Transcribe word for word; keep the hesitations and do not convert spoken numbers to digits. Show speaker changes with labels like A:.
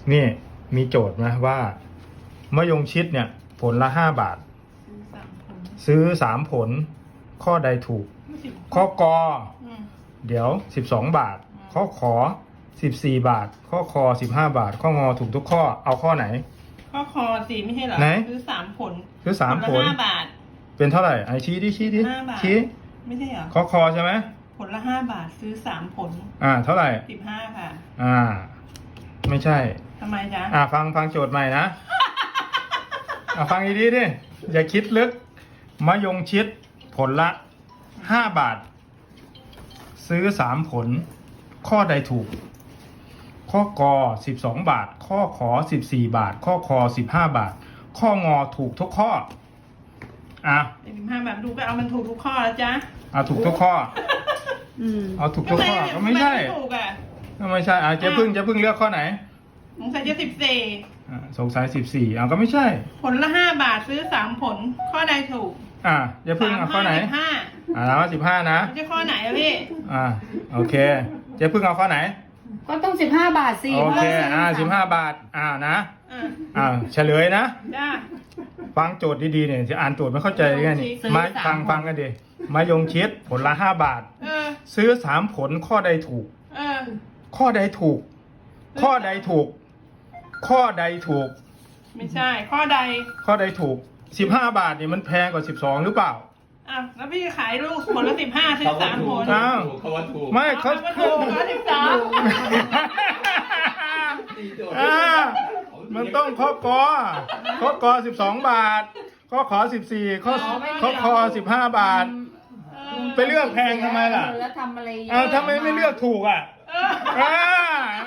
A: นี่มีโจทย์นะว่ามะยงชิดเนี่ยผลละห้าบาทซื้อสามผลข้อใดถูกข้อกอเดี๋ยวสิบสองบาทข้อขอสิบสี่บาทข้อคอสิบห้าบาทข้องอถูกทุกข้อเอาข้อไหน
B: ข้อคอสี่ไม่ใช่เหรอ
A: ไหน
B: ซื้อสามผล
A: ซื้อสามผล
B: ละห้าบาท
A: เป็นเท่าไหร่ไอชี้ดิชี้ดิ
B: ห้าบาท
A: ชี้
B: ไม่ใช่เหรอ
A: ข้อคอใช่ไหม
B: ผลละห้าบาทซื้อสามผล
A: อ่าเท่าไหร่
B: สิบห้าค่ะ
A: อ่าไม่ใช่
B: ทำไมจ๊ะ
A: อ่าฟังฟังโจทย์ใหม่นะ อ่าฟังดีๆดิอย่าคิดลึกมะยงชิดผลละห้าบาทซื้อสามผลข้อใดถูกข้อกอสิบสองบาทข้อขอสิบสี่บาทข้อคอสิบห้าบาทข้องอถูกทุกข้ออ่ะ
B: สิบห้าบาทดูไปเอามันถูกทุกข้อแล้วจ๊ะ
A: เอาถูกทุกข้อเอาถูกทุกข้อก็ไม่ใช่
B: ถูกอ่ะ
A: ก็ไม่ใช่อ่ะเจ๊พึ่งเจ๊พึ่งเลือกข้อไหน
B: สงสัยจะสิบสี่
A: อ่าสงสัยสิบสี่อ่ะก็ไม่ใช่
B: ผลละห้าบาทซื้อสามผลข้อใดถูก
A: อ่ะเจ๊พึ่งเอาข้อไหน
B: ห้า
A: อ่าแล้วสิบห้านะ
B: ไม่ใช่ข้อไหนอะพี่
A: อ่าโอเคเจ๊พึ่งเอาข้อไหน
C: ก็ต้องสิบห้าบาทสิ
A: โอเคอ่าสิบห้าบาทอ่านะอ่าเฉลยนะฟังโจทย์ดีๆเนี่ยจะอ่านโจทย์ไม่เข้าใจกันนี่มาฟังฟังกันดิมายงชิดผลละห้าบาทซื้อสามผลข้อใดถูกข้อใดถูกข้อใดถูกข้อใดถูก
B: ไม่ใช่ข้อใด
A: ข้อใดถูกสิบห้าบาทเนี่ยมันแพงกว่าสิบสองหรือเปล่า
B: อ้าวแล้วพี่ขายลูกผลละสิบห้าซื้อสามผล
A: อ้าวไม่เขา
B: ถูกละสิบสาม
A: อ่ามันต้องข้อกอข้อกอสิบสองบาทข้อขอสิบสี่ข้อข้อคอสิบห้าบาทไปเลือกแพงทำไมล่ะ
C: แล้วทำอะไร
A: อ้าวทำไมไม่เลือกถูกอ่ะอ่า